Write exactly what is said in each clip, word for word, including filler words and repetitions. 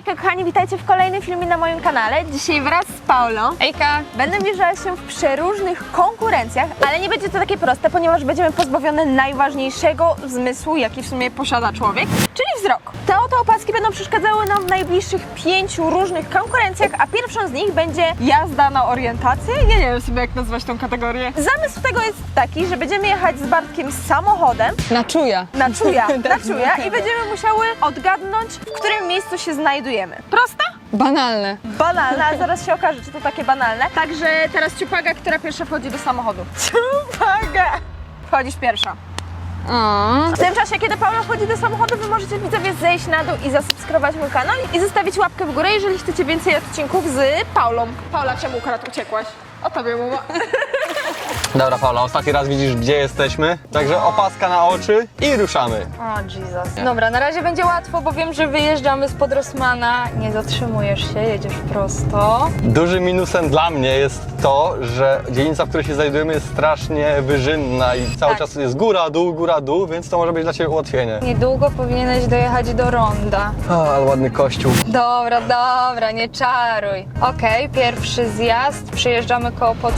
Hejka kochani, witajcie w kolejnym filmie na moim kanale. Dzisiaj wraz z Paulą, Hejka! będę mierzała się w przeróżnych konkurencjach, ale nie będzie to takie proste, ponieważ będziemy pozbawione najważniejszego zmysłu, jaki w sumie posiada człowiek, czyli wzrok. Te oto opaski będą przeszkadzały nam w najbliższych pięciu różnych konkurencjach, a pierwszą z nich będzie jazda na orientację. Ja nie wiem sobie, jak nazwać tą kategorię. Zamysł tego jest taki, że będziemy jechać z Bartkiem samochodem Na czuja. na czuja, na czuja i będziemy musiały odgadnąć, w którym miejscu się znajdujemy. Prosta? Banalne. Banalne, a zaraz się okaże, czy to takie banalne. Także teraz Ciupaga, która pierwsza wchodzi do samochodu. Ciupaga! Wchodzisz pierwsza. O. W tym czasie, kiedy Paula wchodzi do samochodu, wy możecie widzowie zejść na dół i zasubskrybować mój kanał i zostawić łapkę w górę, jeżeli chcecie więcej odcinków z Paulą. Paula, czemu akurat uciekłaś? O tobie mowa. Dobra Paula, ostatni raz widzisz, gdzie jesteśmy, także opaska na oczy i ruszamy. O Jesus. Dobra, na razie będzie łatwo, bo wiem, że wyjeżdżamy spod Rossmana. Nie zatrzymujesz się, jedziesz prosto. Dużym minusem dla mnie jest to, że dzielnica, w której się znajdujemy, jest strasznie wyżynna i cały Tak. czas jest góra, dół, góra, dół, więc to może być dla Ciebie ułatwienie. Niedługo powinieneś dojechać do ronda. O, ale ładny kościół. Dobra, dobra, nie czaruj. Okej, pierwszy zjazd, przyjeżdżamy koło pod...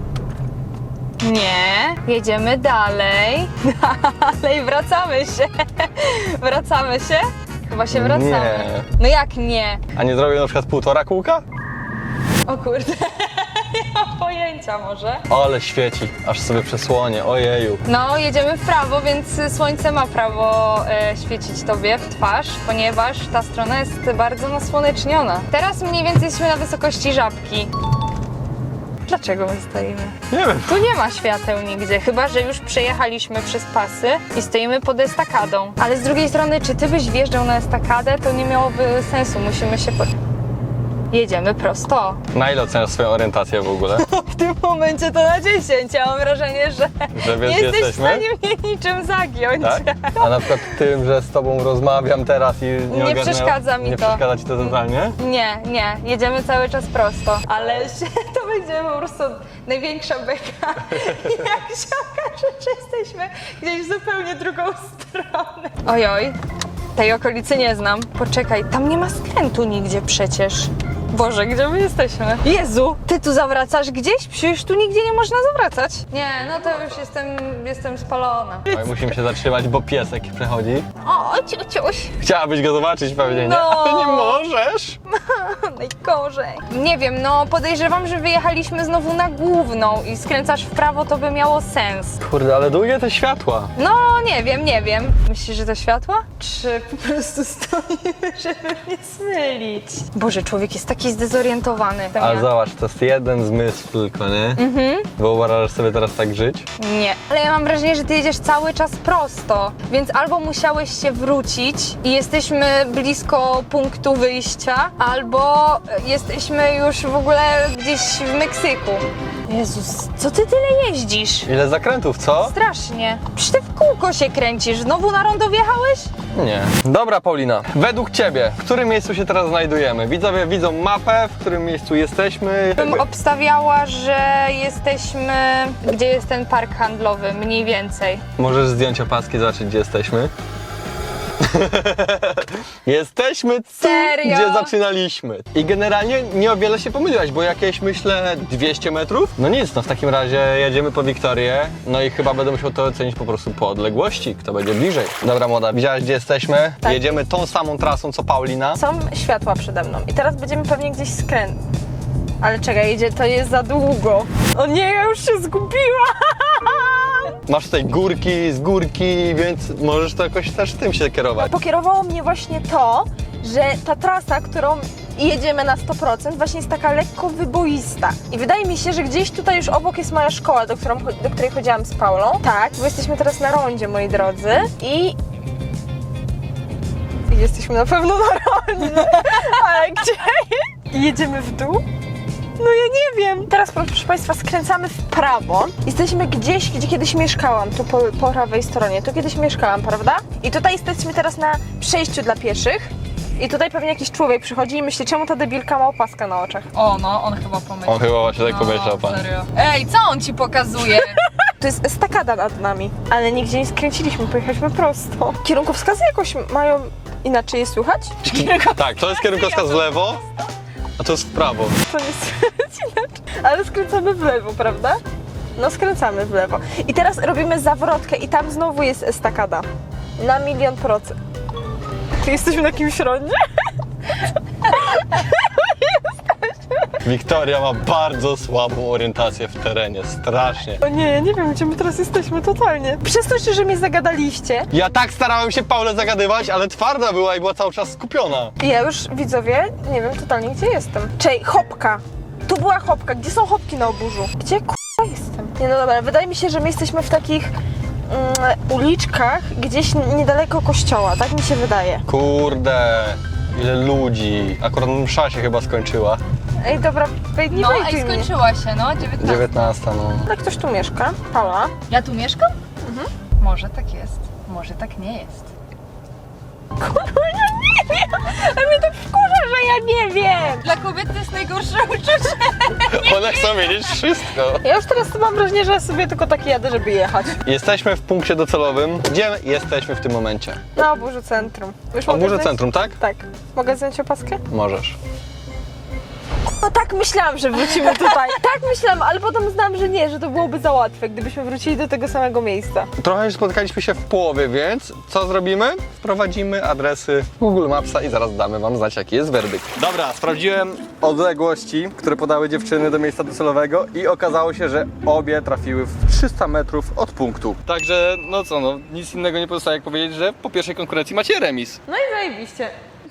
Nie, jedziemy dalej. Dalej, wracamy się. Wracamy się? Chyba się wracamy. Nie. No jak nie? A nie zrobię na przykład półtora kółka? O kurde, nie mam pojęcia może. Ale świeci, aż sobie przesłonię, ojeju. No, jedziemy w prawo, więc słońce ma prawo e, świecić tobie w twarz, ponieważ ta strona jest bardzo nasłoneczniona. Teraz mniej więcej jesteśmy na wysokości Żabki. Dlaczego my stoimy? Nie wiem. Tu nie ma świateł nigdzie, chyba że już przejechaliśmy przez pasy i stoimy pod estakadą. Ale z drugiej strony, czy ty byś wjeżdżał na estakadę, to nie miałoby sensu, musimy się... Po... Jedziemy prosto. Na ile oceniasz swoją orientację w ogóle? W tym momencie to na dziesięć, ja mam wrażenie, że Że wiesz, nie gdzie jesteś w jesteśmy? stanie mnie niczym zagiąć. Tak? A na przykład tym, że z Tobą rozmawiam teraz i nie Nie ogarnę- przeszkadza mi nie to. przeszkadza Ci to totalnie? Nie, nie, jedziemy cały czas prosto, ale się, to będzie po prostu największa beka, jak się okaże, że jesteśmy gdzieś w zupełnie drugą stronę. Ojoj, tej okolicy nie znam. Poczekaj, tam nie ma skrętu nigdzie przecież. Boże, gdzie my jesteśmy? Jezu, ty tu zawracasz gdzieś? Przecież tu nigdzie nie można zawracać. Nie, no to już jestem, jestem spalona. Oj, musimy się zatrzymać, bo piesek przechodzi. O, ciuciuś. Chciałabyś go zobaczyć pewnie, nie? No. Ale nie możesz! Najgorzej. Nie wiem, no podejrzewam, że wyjechaliśmy znowu na główną i skręcasz w prawo, to by miało sens. Kurde, ale długie te światła. No, nie wiem, nie wiem. Myślisz, że to światła? Czy po prostu stoimy, żeby mnie zmylić? Boże, człowiek jest taki zdezorientowany. Ale zobacz, to jest jeden zmysł tylko, nie? Mhm. Wyobrażasz sobie teraz tak żyć? Nie. Ale ja mam wrażenie, że ty jedziesz cały czas prosto, więc albo musiałeś się wrócić i jesteśmy blisko punktu wyjścia, albo jesteśmy już w ogóle gdzieś w Meksyku. Jezus, co ty tyle jeździsz? Ile zakrętów, co? Strasznie. Przecież ty w kółko się kręcisz. Znowu na rondo wjechałeś? Nie. Dobra, Paulina, według Ciebie, w którym miejscu się teraz znajdujemy? Widzowie widzą mapę, w którym miejscu jesteśmy. Bym obstawiała, że jesteśmy... Gdzie jest ten park handlowy? Mniej więcej. Możesz zdjąć opaski, zobaczyć, gdzie jesteśmy. Jesteśmy tu, Serio? gdzie zaczynaliśmy. I generalnie nie o wiele się pomyliłaś, bo jakieś, myślę, dwieście metrów? No nic, no w takim razie jedziemy po Wiktorię, no i chyba będę musiał to ocenić po prostu po odległości, kto będzie bliżej. Dobra młoda, widziałaś, gdzie jesteśmy? Tak. Jedziemy tą samą trasą, co Paulina. Są światła przede mną i teraz będziemy pewnie gdzieś skręt. Ale czekaj, jedzie, to jest za długo. O nie, ja już się zgubiłam! Masz tutaj górki z górki, więc możesz to jakoś też tym się kierować. Pokierowało mnie właśnie to, że ta trasa, którą jedziemy na sto procent, właśnie jest taka lekko wyboista. I wydaje mi się, że gdzieś tutaj już obok jest moja szkoła, do, którą, do której chodziłam z Paulą. Tak, bo jesteśmy teraz na rondzie, moi drodzy. I... I jesteśmy na pewno na rondzie. Ale gdzie? Jedziemy w dół? No ja nie wiem. Teraz, proszę Państwa, skręcamy w prawo. Jesteśmy gdzieś, gdzie kiedyś mieszkałam, tu po, po prawej stronie. Tu kiedyś mieszkałam, prawda? I tutaj jesteśmy teraz na przejściu dla pieszych. I tutaj pewnie jakiś człowiek przychodzi i myśli, czemu ta debilka ma opaskę na oczach. O, no, on chyba pomyślał. On chyba właśnie tak pomyślał, pan. Serio. Ej, co on ci pokazuje? To jest estakada nad nami, ale nigdzie nie skręciliśmy, pojechaliśmy prosto. Kierunkowskazy jakoś mają Inaczej je słychać? Tak, to jest kierunkowskaz w lewo, a to jest w prawo. To nie słychać inaczej. Ale skręcamy w lewo, prawda? No skręcamy w lewo. I teraz robimy zawrotkę i tam znowu jest estakada. Na milion procent. Czy jesteśmy na jakimś rondzie? Wiktoria ma bardzo słabą orientację w terenie, strasznie. O nie, ja nie wiem, gdzie my teraz jesteśmy totalnie. Przez to, że mnie zagadaliście. Ja tak starałem się Paulę zagadywać, ale twarda była i była cały czas skupiona. I ja już, widzowie, nie wiem totalnie, gdzie jestem. Czej, hopka. Tu była hopka. Gdzie są hopki na oburzu? Gdzie k***a jestem? Nie no dobra, wydaje mi się, że my jesteśmy w takich mm, uliczkach, gdzieś niedaleko kościoła, tak mi się wydaje. Kurde, ile ludzi. Akurat msza się chyba skończyła. Ej, dobra, wej, nie No, wejdzie ej, mnie. skończyła się, no, dziewiętnasta. dziewiętnasta, no. Ale ktoś tu mieszka. Paula. Ja tu mieszkam? Mhm. Może tak jest, może tak nie jest. Kurwa, ja nie wiem! A mnie to wkurza, że ja nie wiem! Dla kobiety to jest najgorsze uczucie. One chcą wiedzieć wszystko. Ja już teraz mam wrażenie, że ja sobie tylko tak jadę, żeby jechać. Jesteśmy w punkcie docelowym. Gdzie jesteśmy w tym momencie? Na oburzu centrum. Już mogę Oburze zdjąć? centrum, tak? Tak. Mogę zdjąć opaskę? Możesz. No tak myślałam, że wrócimy tutaj. Tak myślałam, ale potem znałam, że nie, że to byłoby za łatwe, gdybyśmy wrócili do tego samego miejsca. Trochę spotkaliśmy się w połowie, więc co zrobimy? Wprowadzimy adresy Google Mapsa i zaraz damy wam znać, jaki jest werdykt. Dobra, sprawdziłem odległości, które podały dziewczyny do miejsca docelowego i okazało się, że obie trafiły w trzysta metrów od punktu. Także, no co, no nic innego nie pozostaje jak powiedzieć, że po pierwszej konkurencji macie remis. No i zajebiście.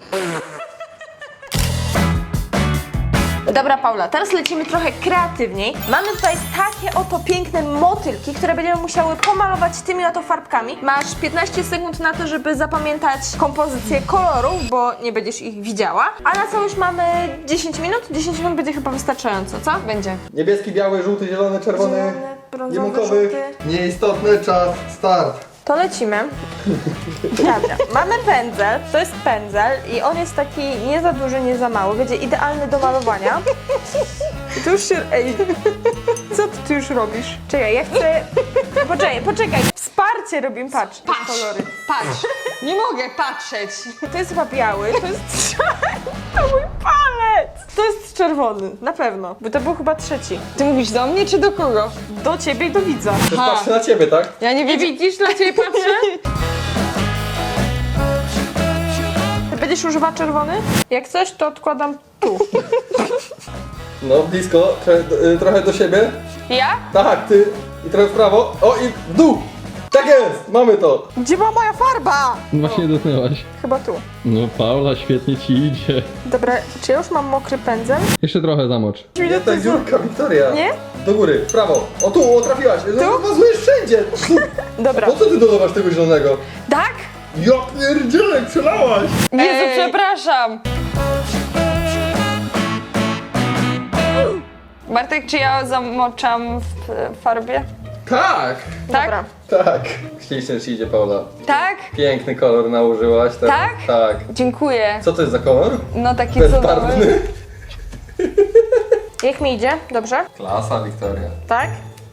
Dobra, Paula, teraz lecimy trochę kreatywniej. Mamy tutaj takie oto piękne motylki, które będziemy musiały pomalować tymi oto farbkami. Masz piętnaście sekund na to, żeby zapamiętać kompozycję kolorów, bo nie będziesz ich widziała. A na całość mamy dziesięć minut. dziesięć minut będzie chyba wystarczająco, co? Będzie. Niebieski, biały, żółty, zielony, czerwony, Zielony, brązowy, limonkowy. żółty. Nieistotny czas, start. To lecimy. Dobra, mamy pędzel, to jest pędzel i on jest taki nie za duży, nie za mały, będzie idealny do malowania. I tu już się... Ej, co ty, ty już robisz? Czekaj, ja chcę... Poczekaj, poczekaj, wsparcie robimy, patrz, te kolory. Patrz, nie mogę patrzeć. To jest chyba biały, to jest... To mój palec! To jest czerwony, na pewno, bo to był chyba trzeci. Ty mówisz do mnie czy do kogo? Do ciebie i do widza. Patrzę na ciebie, tak? Ja nie Nie widzisz, dla ciebie patrzę? Ty będziesz używać czerwony? Jak coś, to odkładam tu. No, blisko, trochę do siebie. Ja? Tak, ty i trochę w prawo. O i w dół! Tak jest! Mamy to! Gdzie była moja farba? No właśnie dotknęłaś. Chyba tu. No Paula, świetnie ci idzie. Dobra, czy ja już mam mokry pędzel? Jeszcze trochę zamocz. Nie, ta dziurka, Wiktoria. Nie? Do góry, w prawo. O tu, o trafiłaś. No, mazujesz wszędzie. Dobra. Po co ty dodawasz tego zielonego? Tak? Ja pierdzielę, przelałaś! Jezu, Ej. przepraszam. Bartek, czy ja zamoczam w e, farbie? Tak! Tak? Dobra. Tak. Ślicznie ci idzie, Paula. Tak? Piękny kolor nałożyłaś. Teraz. Tak? Tak. Dziękuję. Co to jest za kolor? No taki cudowny. Bezbarwny. Jak mi idzie? Dobrze? Klasa, Wiktoria. Tak?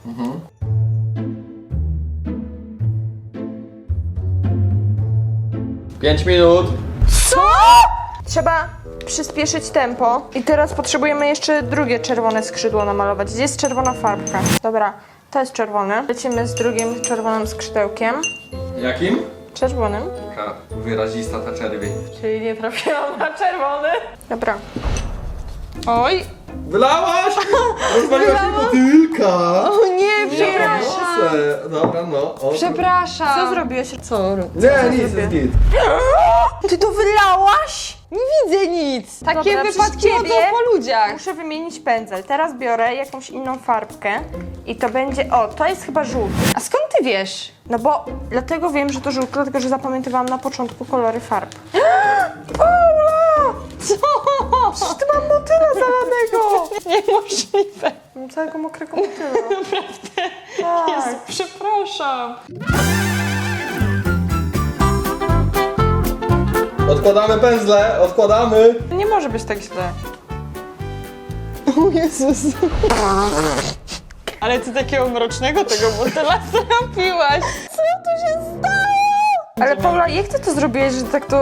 Pięć minut. Co? Trzeba przyspieszyć tempo. I teraz potrzebujemy jeszcze drugie czerwone skrzydło namalować. Gdzie jest czerwona farbka? Dobra, to jest czerwone. Lecimy z drugim czerwonym skrzydełkiem. Jakim? Czerwonym. Taka wyrazista ta czerwień. Czyli nie trafiłam na czerwony. Dobra. Oj. Wylałaś! Rozwaliłaś mi motylka! O nie, przepraszam. Proszę. Dobra, no. O, Przepraszam. Co zrobiłeś? Co? Nie, nic, zrobię? jest git. Ty to wylałaś? Nie widzę nic. Takie Dobra, wypadki przez chodzą ciebie po ludziach. Muszę wymienić pędzel. Teraz biorę jakąś inną farbkę i to będzie... O, to jest chyba żółty. A skąd ty wiesz? No bo dlatego wiem, że to żółty, dlatego że zapamiętywałam na początku kolory farb. Paula! Co? Przecież ty mam motyla zalanego! Niemożliwe. Mam całego mokrego motyla. Naprawdę. Tak. Jezu, przepraszam. Odkładamy pędzle, odkładamy. Nie może być tak źle. O Jezus. Ale ty takiego mrocznego tego motyla zrobiłaś. Co tu się stało? Ale Paula, jak ty to zrobiłeś, że tak to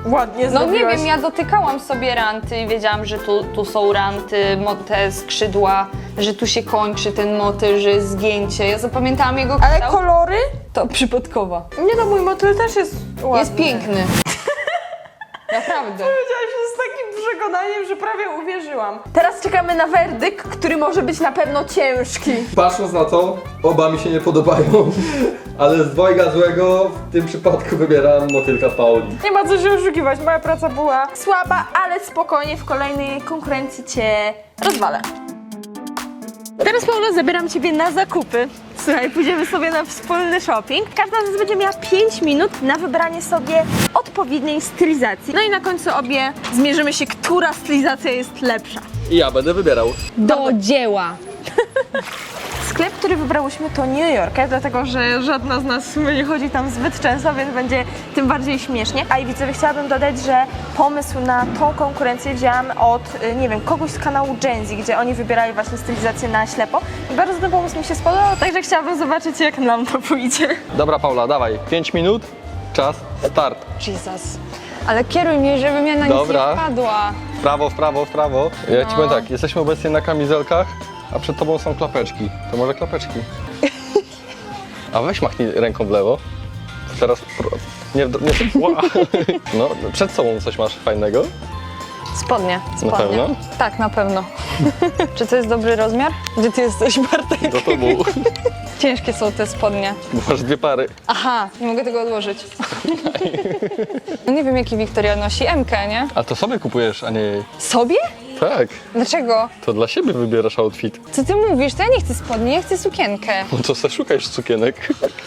ładnie No nie zrobiłaś. wiem, ja dotykałam sobie ranty i wiedziałam, że tu, tu są ranty, mo- te skrzydła, że tu się kończy ten motyl, że jest zgięcie. Ja zapamiętałam jego Ale kształt. kolory? To przypadkowo. Nie no, mój motyl też jest ładny. Jest piękny. Naprawdę. Powiedziałaś to z takim przekonaniem, że prawie uwierzyłam. Teraz czekamy na werdykt, który może być na pewno ciężki. Patrząc na to, oba mi się nie podobają. Ale z dwojga złego w tym przypadku wybieram motylka Pauli. Nie ma co się oszukiwać, moja praca była słaba, ale spokojnie w kolejnej konkurencji cię rozwalę. Teraz, Paula, zabieram ciebie na zakupy. Słuchaj, pójdziemy sobie na wspólny shopping. Każda z nas będzie miała pięć minut na wybranie sobie odpowiedniej stylizacji. No i na końcu obie zmierzymy się, która stylizacja jest lepsza. I ja będę wybierał. Do dzieła. Sklep, który wybrałyśmy, to New Yorker, dlatego że żadna z nas w sumie nie chodzi tam zbyt często, więc będzie tym bardziej śmiesznie. A i widzowie, chciałabym dodać, że pomysł na tą konkurencję wzięłam od, y, nie wiem, kogoś z kanału Gen Z, gdzie oni wybierali właśnie stylizację na ślepo. I bardzo ten pomysł mi się spodobał, także chciałabym zobaczyć, jak nam to pójdzie. Dobra, Paula, dawaj. pięć minut, czas, start. Jesus. Ale kieruj mnie, żebym ja na nic Dobra. nie wpadła. W prawo, w prawo, w prawo. Ja ci powiem tak, jesteśmy obecnie na kamizelkach, a przed tobą są klapeczki. To może klapeczki. A weź machnij ręką w lewo. Teraz... Pro... Nie, nie, ła. No, przed sobą coś masz fajnego. Spodnie, spodnie. pewno? Tak, na pewno. Czy to jest dobry rozmiar? Gdzie ty jesteś, Bartek? Do tobą. Ciężkie są te spodnie. Bo masz dwie pary. Aha, nie mogę tego odłożyć. No nie wiem, jaki Wiktoria nosi. M K, nie? A to sobie kupujesz, a nie jej. Sobie? Tak. Dlaczego? To dla siebie wybierasz outfit. Co ty mówisz? To ja nie chcę spodni, ja chcę sukienkę. No to se szukasz cukienek.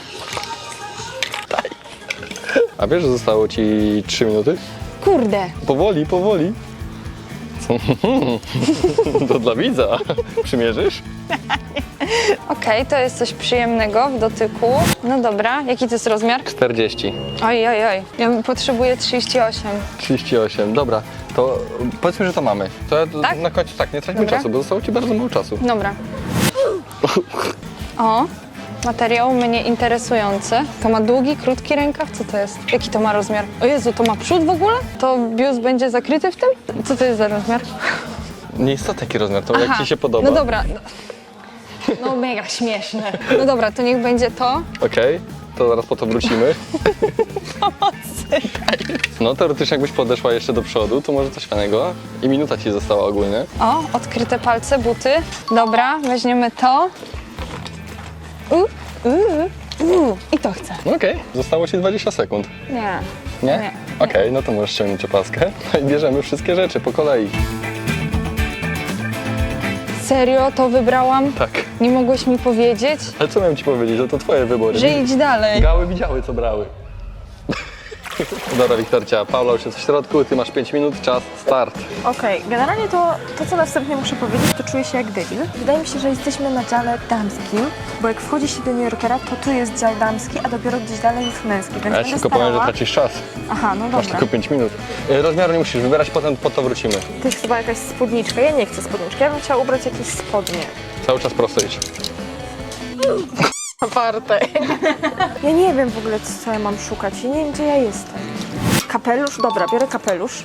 Daj. A wiesz, że zostało ci trzy minuty? Kurde. Powoli, powoli. To dla widza. Przymierzysz? Okej, to jest coś przyjemnego w dotyku. No dobra, jaki to jest rozmiar? czterdzieści. Oj, oj, oj. Ja potrzebuję trzydzieści osiem. trzydzieści osiem, dobra. To powiedzmy, że to mamy. To ja Tak? na końcu tak, nie traćmy Dobra. czasu, bo zostało ci bardzo mało czasu. Dobra. O, materiał mnie interesujący. To ma długi, krótki rękaw? Co to jest? Jaki to ma rozmiar? O Jezu, to ma przód w ogóle? To biust będzie zakryty w tym? Co to jest za rozmiar? Nie jest to taki rozmiar, to jak ci się podoba. No dobra. No, no mega śmieszne. No dobra, to niech będzie to. Okej, to zaraz po to wrócimy. No teoretycznie jakbyś podeszła jeszcze do przodu, to może coś fajnego. I minuta ci została ogólnie. O, odkryte palce, buty. Dobra, weźmiemy to. U, u, u. I to chcę. Okej, zostało ci dwadzieścia sekund. Nie. Nie? Nie. Okej, no to możesz ściągnąć opaskę. No i bierzemy wszystkie rzeczy po kolei. Serio, to wybrałam? Tak. Nie mogłeś mi powiedzieć, Ale co miałem ci powiedzieć, że to twoje wybory. że idź dalej. Gały widziały, co brały. Dobra, Wiktorcia, Paula już jest w środku, ty masz pięć minut, czas, start. Okej, generalnie to, to, co następnie muszę powiedzieć, to czuję się jak debil. Wydaje mi się, że jesteśmy na dziale damskim, bo jak wchodzi się do New Yorkera, to tu jest dział damski, a dopiero gdzieś dalej jest męski, więc A ja ci będę tylko powiem, że starała... tracisz czas. Aha, no Masz dobra. tylko pięć minut. Y, Rozmiaru nie musisz wybierać, potem po to wrócimy. To jest chyba jakaś spódniczka. Ja nie chcę spódniczki, ja bym chciała ubrać jakieś spodnie. Cały czas prosto idź. Aparte. Ja nie wiem w ogóle, co ja mam szukać. Ja nie wiem, gdzie ja jestem. Kapelusz? Dobra, biorę kapelusz.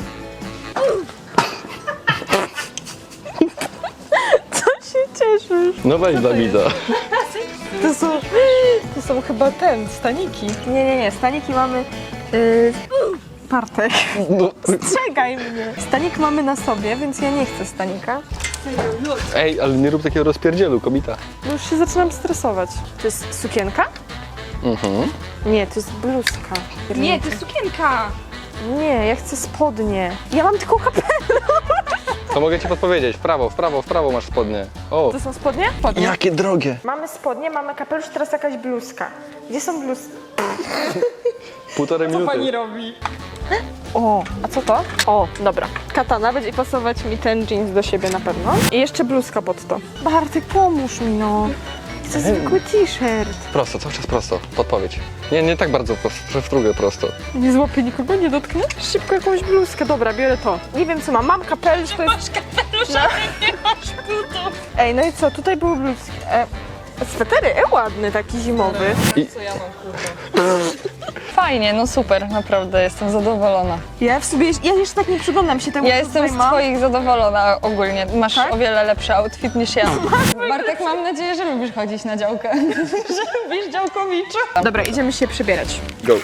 Co się cieszysz? No weź dla widza. To są, to są chyba ten, staniki. Nie, nie, nie, staniki mamy... Yy, Bartek, No. strzegaj mnie. Stanik mamy na sobie, więc ja nie chcę stanika. Ej, ale nie rób takiego rozpierdzielu, kobita. No już się zaczynam stresować. To jest sukienka? Mhm. Nie, to jest bluzka. Nie, to jest sukienka. Nie, ja chcę spodnie. Ja mam tylko kapelusz. To mogę ci podpowiedzieć. W prawo, w prawo, w prawo masz spodnie. O, To są spodnie? Spodnie. jakie drogie. Mamy spodnie, mamy kapelusz, teraz jakaś bluzka. Gdzie są bluzki? Półtorej minuty. robi? O, a co to? O, dobra. Katana, będzie pasować mi ten jeans do siebie na pewno. I jeszcze bluzka pod to. Bartek, pomóż mi no. Chcę zwykły t-shirt. Prosto, cały czas prosto. Podpowiedź. Nie, nie tak bardzo prosto, w drugą prosto. Nie złapię nikogo, nie dotknę? Szybko jakąś bluzkę. Dobra, biorę to. Nie wiem co mam. Mam kapelusz, to jest... Kapelusz, ale nie masz butów. Ej, no i co? Tutaj były bluzki. E, swetery, e, ładny taki zimowy. I Co ja mam, kurde? fajnie, no super, naprawdę jestem zadowolona. Ja w sobie, ja jeszcze tak nie przyglądam się temu, Ja co jestem tutaj z mam. twoich zadowolona ogólnie. Masz Tak? o wiele lepszy outfit niż ja. Bartek, mam nadzieję, że lubisz chodzić na działkę. Że lubisz działkowicza. Dobra, idziemy się przebierać. Go.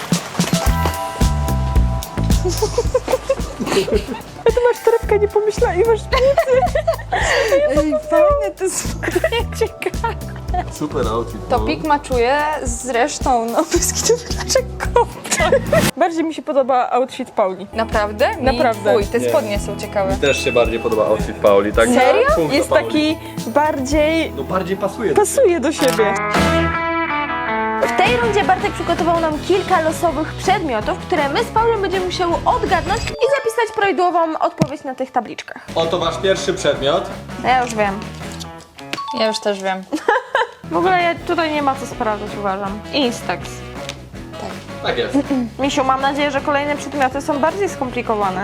Ty masz torebkę, nie pomyślała i masz Ej, fajne, to jest ciekawe. Super outfit. Topik maczuje z resztą, no bez dlaczego? Bardziej mi się podoba outfit Pauli. Naprawdę? Mi Naprawdę. Fuj, te Nie. spodnie są ciekawe. Też się bardziej podoba outfit Pauli, tak? Serio? Punkt dla Jest Pauli. taki bardziej... No bardziej pasuje. pasuje do siebie. W tej rundzie Bartek przygotował nam kilka losowych przedmiotów, które my z Paulą będziemy musiały odgadnąć i zapisać prawidłową odpowiedź na tych tabliczkach. Oto wasz pierwszy przedmiot. No ja już wiem. Ja już też wiem. W ogóle ja, tutaj nie ma co sprawdzać, uważam. Instax. Tak jest. Misiu, mam nadzieję, że kolejne przedmioty są bardziej skomplikowane.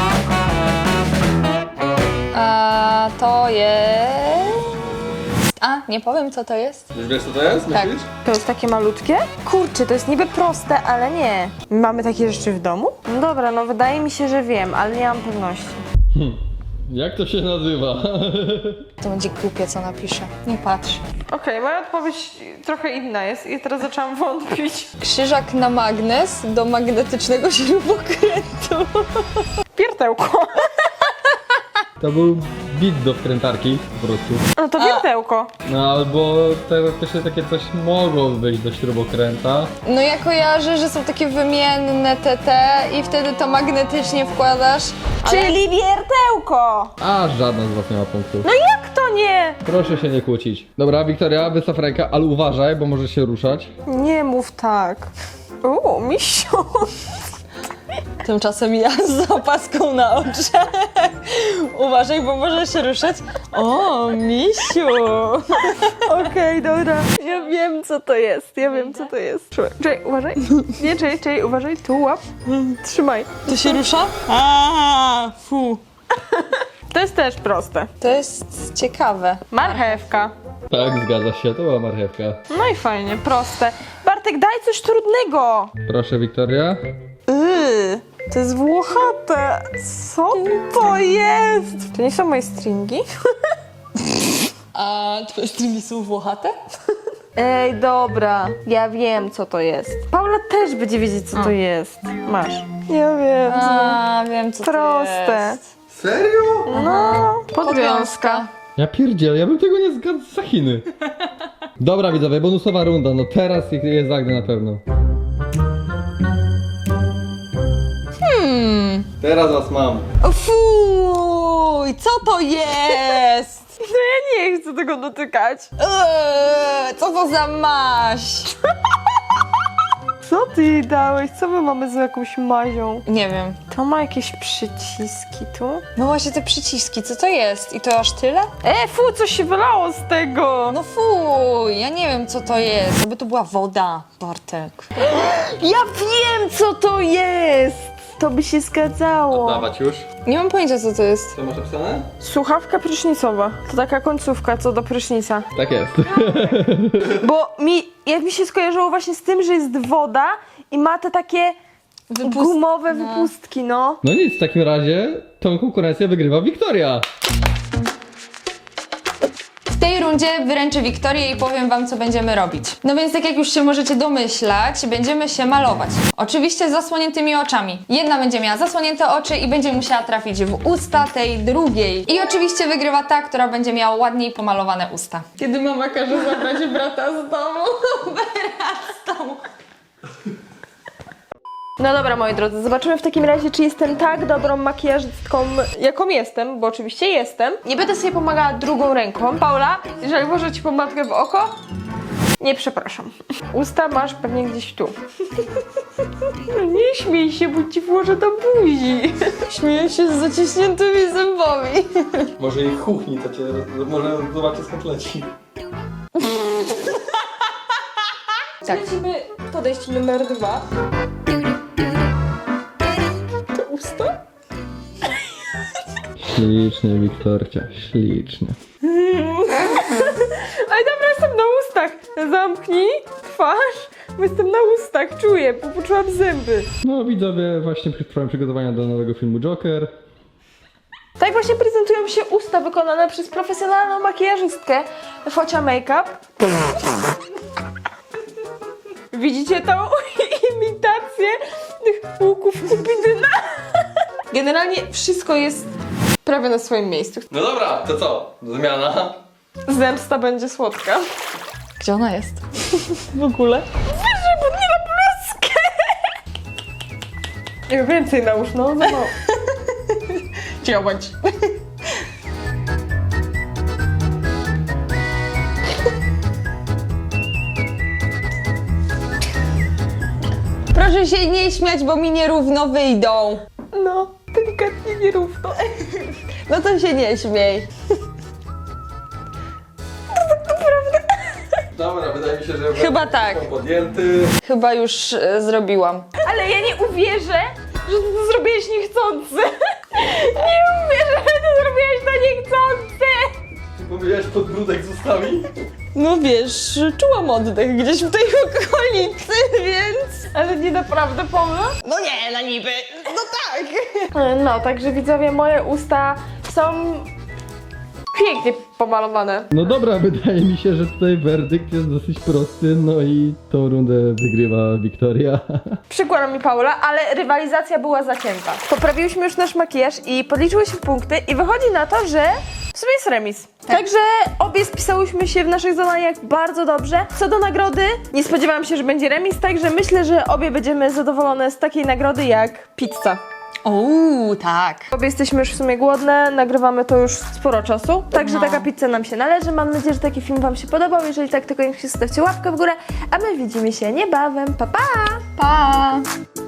A to jest... A, nie powiem co to jest. Już wiesz co to jest? Tak. Myślisz? To jest takie malutkie? Kurczę, to jest niby proste, ale nie. Mamy takie rzeczy w domu? No dobra, no wydaje mi się, że wiem, ale nie mam pewności. Jak to się nazywa? To będzie głupie co napiszę. Nie patrz. Okej, moja odpowiedź trochę inna jest i teraz zaczęłam wątpić. Krzyżak na magnes do magnetycznego śrubokrętu. Wiertełko. To był bit do wkrętarki po prostu. No to wiertełko. No albo teoretycznie takie coś mogło być do śrubokręta. No ja kojarzę, że są takie wymienne te te i wtedy to magnetycznie wkładasz. Ale... Czyli wiertełko. A żadna z was nie ma punktu. No jak to nie? Proszę się nie kłócić. Dobra, Wiktoria, wystaw rękę, ale uważaj, bo może się ruszać. Nie mów tak. Uuu, misiu. Tymczasem ja z opaską na oczach. Uważaj, bo może się ruszać. O, misiu! Okej, dobra. Ja wiem, co to jest. Ja wiem, co to jest. Trzymaj. Czekaj, uważaj. Nie, czekaj, czekaj, uważaj. Tu łap. Trzymaj. To się rusza? A, fu. To jest też proste. To jest ciekawe. Marchewka. Tak, zgadza się, to była marchewka. No i fajnie, proste. Bartek, daj coś trudnego. Proszę, Wiktoria. Yy, to jest włochate. Co to jest? To nie są moje stringi? A twoje stringi są włochate? Ej, dobra. Ja wiem, co to jest. Paula też będzie wiedzieć, co to jest. Masz. Ja wiem. A, wiem co Proste. to jest. Serio? No, podwiązka. Podwiązka. Ja pierdzielę, ja bym tego nie zgadł za Chiny. Dobra widzowie, bonusowa runda, no teraz ich je zagnę na pewno. Hmm. Teraz was mam. Fuj, co to jest? No ja nie chcę tego dotykać. Eee, co to za maź? Co ty jej dałeś? Co my mamy z jakąś mazią? Nie wiem. To ma jakieś przyciski tu? No właśnie te przyciski, co to jest? I to aż tyle? E, fu, coś się wylało z tego. No fuj, ja nie wiem co to jest. Aby to była woda, Bartek. Ja wiem, co to jest. To by się zgadzało. Dawać już. Nie mam pojęcia co to jest. Co masz napisane? Słuchawka prysznicowa. To taka końcówka co do prysznica. Tak jest. Bo mi, jak mi się skojarzyło właśnie z tym, że jest woda i ma te takie Wypust- gumowe no. wypustki, no. No nic, w takim razie tą konkurencję wygrywa Wiktoria. W tej rundzie wyręczę Wiktorię i powiem wam, co będziemy robić. No więc tak jak już się możecie domyślać, będziemy się malować. Oczywiście z zasłoniętymi oczami. Jedna będzie miała zasłonięte oczy i będzie musiała trafić w usta tej drugiej. I oczywiście wygrywa ta, która będzie miała ładniej pomalowane usta. Kiedy mama każe zabrać brata z domu, wyrastał. No dobra, moi drodzy, zobaczymy w takim razie, czy jestem tak dobrą makijażystką, jaką jestem, bo oczywiście jestem. Nie będę sobie pomagała drugą ręką. Paula, jeżeli włożę ci pomadkę w oko, nie przepraszam. Usta masz pewnie gdzieś tu. No nie śmiej się, bo ci włożę do buzi. Śmieję się z zaciśniętymi zębami. Może ich kuchni, to cię, może zobaczyć skąd leci. Tak. Lecimy podejście numer dwa. To usta? Ślicznie, Wiktorcia, ślicznie. Ale dobra, jestem na ustach. Zamknij twarz, Bo jestem na ustach, czuję, bo poczułam zęby. No widzowie, właśnie trwają przygotowania do nowego filmu Joker. Tak właśnie prezentują się usta wykonane przez profesjonalną makijażystkę Focia Makeup. Widzicie tą imitację tych łuków Kupidyna? Generalnie wszystko jest prawie na swoim miejscu. No dobra, to co? Zmiana. Zemsta będzie słodka. Gdzie ona jest? W ogóle. Wyżej, bo nie na bluzkę! Nie więcej nałóż, no. no. Działać. Proszę się nie śmiać, bo mi nierówno wyjdą. No, delikatnie nierówno. No to się nie śmiej. Dobra, wydaje mi się, że Chyba tak. są podjęty. Chyba już e, zrobiłam. Ale ja nie uwierzę, że ty to zrobiłeś niechcący. Nie uwierzę, że to zrobiłeś to niechcący. Ty powiedziałeś, podbródek zostawi? No wiesz, czułam oddech gdzieś w tej okolicy, więc... Ale nie naprawdę pomył? No nie, na niby. No tak. No, także widzowie, moje usta są pięknie pomalowane. No dobra, wydaje mi się, że tutaj werdykt jest dosyć prosty, no i tą rundę wygrywa Wiktoria. Przykłada mi Paula, ale rywalizacja była zacięta. Poprawiłyśmy już nasz makijaż i podliczyłyśmy punkty i wychodzi na to, że w sumie jest remis. Także obie spisałyśmy się w naszych zadaniach bardzo dobrze. Co do nagrody, nie spodziewałam się, że będzie remis, także myślę, że obie będziemy zadowolone z takiej nagrody jak pizza. Uuu, tak. Obie jesteśmy już w sumie głodne, nagrywamy to już sporo czasu, także No. taka pizza nam się należy. Mam nadzieję, że taki film wam się podobał. Jeżeli tak, to koniecznie zostawcie łapkę w górę, a my widzimy się niebawem. Pa, pa! Pa!